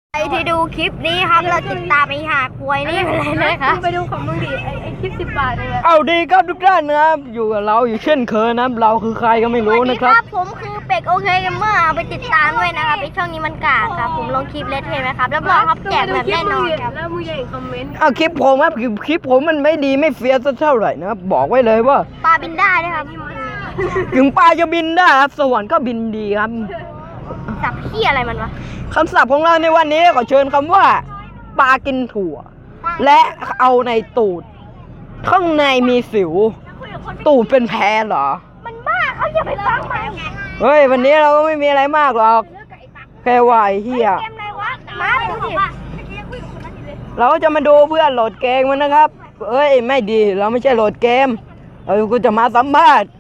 ใครที่ดูคลิปนี้ครับเราติดตามไอ้หาควยนี่ไปเลยนะครับไปดูของมึงดิไอ้คลิป10 บาทเลยเอาดีครับทุกท่านนะครับอยู่กับเราอยู่เช่นเคยนะครับเราคือใครก็ไม่รู้นะครับผมคือเป็กโอเคกันเมื่อเอาไปติดตามด้วยนะครับไอ้ช่องนี้มันกากครับผมลงคลิปเลทเทนไหมครับรับรองครับแจกแบบแน่นอนครับแล้วมึงอย่าคอมเมนต์เอาคลิปผมครับคลิปผมมันไม่ดีไม่เฟี้ยวสักเท่าไหร่นะครับบอกไว้เลยว่าปลาบินได้นะครับถึงปลาจะบินได้ครับสวรรค์ก็บินดีครับสับเหี้ยอะไรมันวะคำศัพท์ของเราในวันนี้ขอเชิญคำว่าปลากินถั่ว และเอาในตูด ข้างในมีสิว ตูดเป็นแผลเหรอมันบ้าเขาอย่าไปฟังมันเฮ้ยวันนี้เราก็ไม่มีอะไรมากหรอกแค่ว่าไอ้เหี้ยเกมอะไรวะมาดูดิเราก็จะมาดูเพื่อนโหลดเกมมันนะครับเอ้ยไม่ดีเราไม่ใช่โหลดเกมกูจะมาสัมภาษณ์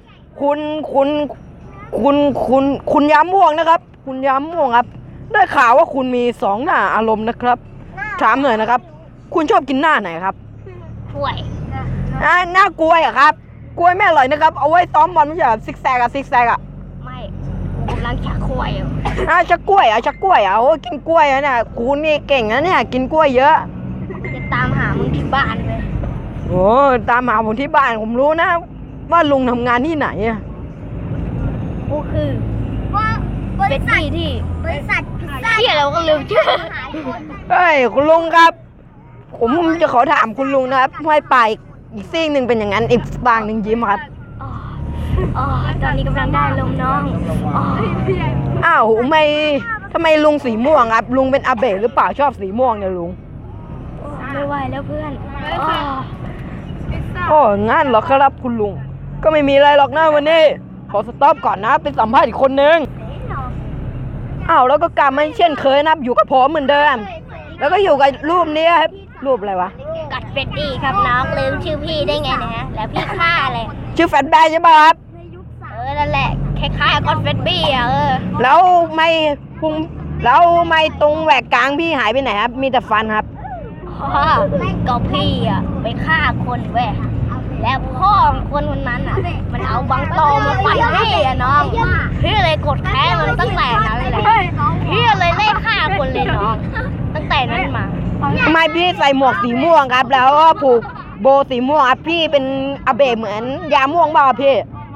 คุณย้ำม่วงนะครับ คุณย้ำม่วงครับ ได้ข่าวว่าคุณมี2หน้าอารมณ์นะครับถามหน่อยนะครับ คุณชอบกินหน้าไหนครับป่วยหน้ากล้วยอะครับกล้วยไม่อร่อยนะครับเอาไว้ซ้อมบอลไม่ใช่ซิกแซกอะไม่กูกำลังชักควยอยู่ชักกล้วยโอ้กินกล้วยอะเนี่ยคุณนี่เก่งนะเนี่ยกินกล้วยเยอะจะตามหามึงที่บ้านเลยโอ้ตามหาผมที่บ้านผมรู้นะ ว่าลุงทำงานที่ไหนอะกูคือเป็นที่บริษัทพิซซ่าที่เราก็ลืมชื่อเฮ้ยคุณลุงครับ ผมจะขอถามคุณลุงนะครับห้อยปลายอีกซีกหนึ่งเป็นอย่างนั้นอีกบางหนึ่งยิ้มครับอ๋อตอนนี้กำลังได้ลมน้องอ๋ออ้าวทำไมลุงสีม่วงครับลุงเป็นอาเบะหรือเปล่าชอบสีม่วงเนี่ยลุงไม่ไหวแล้วเพื่อนอ๋อโอ้งั้นเหรอครับคุณลุงก็ไม่มีอะไรหรอกนะวันนี้ขอสต็อปก่อนนะไปสัมภาษณ์อีกคนนึงอ้าวแล้วก็กลับมาเช่นเคยนะครับอยู่กับผมเหมือนเดิมแล้วก็อยู่กับรูปนี้ครับรูปอะไรวะกัดเฟดดี้ครับน้องลืมชื่อพี่ได้ไงนะฮะแล้วพี่ฆ่าอะไรชื่อแฟนแบร์ใช่ป่ะครับนั่นแหละคล้ายๆกัดเฟดดี้อ่ะแล้วไม่พุงแล้วไม่ตรงแหวกกลางพี่หายไปไหนครับมีแต่ฟันครับอ๋อก็พี่อ่ะไปฆ่าคนเว้ยแล้วพ่อของคนนั้นอ่ะมันเอาบังตอมาปั่นพี่อ่ะน้องพี่เลยกดแค้นมันตั้งแต่นั้นเลยพี่เลยไล่ฆ่าคนเลยน้องตั้งแต่นั้นมาทำไมพี่ใส่หมวกสีม่วงครับ แล้วก็ผูกโบสีม่วงครับพี่เป็นอาเบะเหมือนยาม่วงบ้าพี่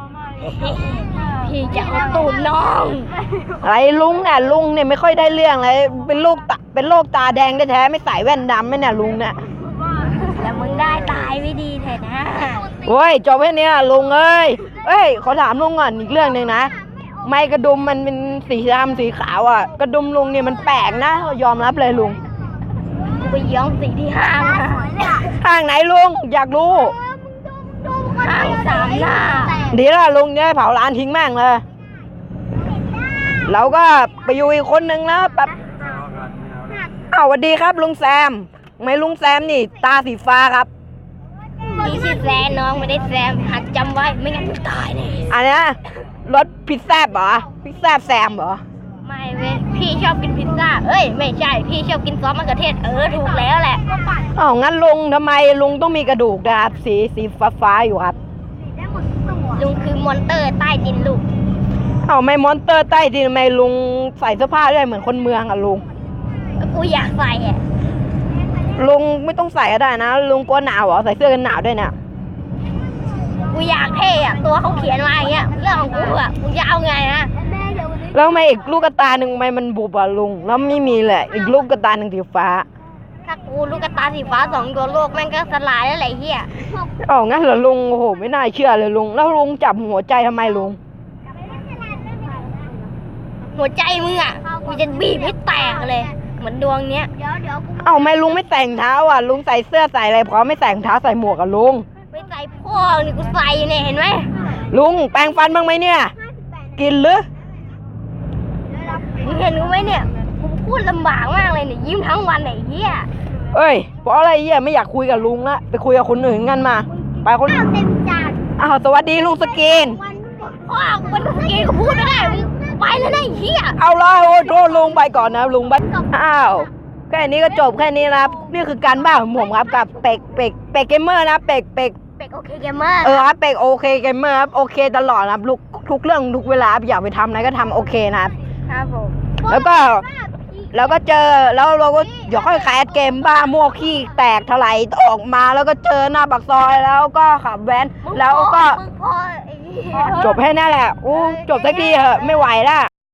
พี่จะเอาตูดน้องอะไรลุงเนี่ยไม่ค่อยได้เรื่องเลยเป็นโรคตาแดงแท้ๆไม่ใส่แว่นดำไม่เนี่ยลุงเนี่ยแล้วมึงได้ตายไม่ดีเถอะนะโอ้ยจบแค่นี้นะลุงเอ้ยขอถามลุงก่อนอีกเรื่องหนึ่งนะไม้กระดุมมันเป็นสีดำสีขาวอ่ะกระดุมลุงเนี่ยมันแปลกนะยอมรับเลยลุงไปย้อมสีที่ห้างนะห้างไหนลุงอยากรู้ห้างสามหน้าดีละลุงจะได้เผาร้านทิ้งแม่งเลยเราก็ไปอยู่อีกคนนึงนะแบบอ้าวสวัสดีครับลุงแซมทำไมลุงแซมนี่ตาสีฟ้าครับพี่ชื่อแซมน้องไม่ได้แซมหัดจำไว้ไม่งั้นมึงตายแน่อันนี้รถพิซซ่าเหรอพิซซ่าแซมเหรอไม่เว้ยพี่ชอบกินพิซซ่าเอ้ยไม่ใช่พี่ชอบกินซอสมะเขือเทศถูกแล้วแหละอ้าวงั้นลุงทำไมลุงต้องมีกระดูกนะครับสีฟ้าอยู่ครับลุงคือมอนเตอร์ใต้ดินลูกอ้าวไม่มอนเตอร์ใต้ดินทำไมลุงใส่เสื้อผ้าด้วยเหมือนคนเมืองอ่ะลุงก็กูอยากใส่อ่ะลุงไม่ต้องใส่ก็ได้นะลุงกลัวหนาวเหรอใส่เสื้อกันหนาวด้วยเนี่ยกูอยากเท่อะตัวเขาเขียนมาอย่างเงี้ยเรื่องของกูอะกูจะเอาไงนะแล้วทำไมอีกลูกกระตาหนึ่งทำไมมันบุบอ่ะลุงแล้วไม่มีแหละอีกลูกกระตาหนึ่งสีฟ้าถ้ากูลูกกระตาสีฟ้า2 ตัวโลกแม่งก็สลายแล้วแหละเฮียอ้าวงั้นเหรอลุงโอ้โหไม่น่าเชื่อเลยลุงแล้วลุงจับหัวใจทำไมลุงหัวใจมึงอะกูจะบีบให้แตกเลยเหมือนดวงเนี้ยอ้าวไม่ลุงไม่แต่งเท้าอ่ะลุงใส่เสื้อใส่อะไรพอไม่แต่งเท้าใส่หมวกอ่ะลุงไม่ใส่พ่อนี่กูใส่เนี่ยเห็นไหมลุงแปรงฟันบ้างไหมเนี่ยกินหรือมึงเห็นกูไหมเนี่ยกูพูดลำบากมากเลยเนี่ยยิ้มทั้งวันไอ้เฮียเอ้ยเพราะอะไรเหี้ยไม่อยากคุยกับลุงละไปคุยกับคนอื่นกันมาไปคนอ้าวสวัสดีลุงสกินพ่อกูเป็นสกีกูพูดไม่ได้มึงไปแล้วนะไอ้เฮียเอาละโอ้โทษลุงไปก่อนนะลุงไปอ้าวแค่นี้ก็จบแค่นี้นะครับนี่คือการบ้านของผมครับกับเป็กเกมเมอร์นะเป็กเป็กโอเคเกมเมอร์ครับเป็กโอเคเกมเมอร์ครับโอเคตลอดนะครับทุกเรื่องทุกเวลาอยากไปทำอะไรก็ทำโอเคนะครับครับผมแล้วก็แล้วก็เจอแล้วเราก็เดี๋ยวค่อยแคสเกมบ้ามั่วขี้แตกถลายออกมาแล้วก็เจอหน้าปากซอยแล้วก็ขับแว้นแล้วก็มึงพอไอ้เหี้ยจบให้นั่นแหละอู้จบสักทีเหอะไม่ไหวละ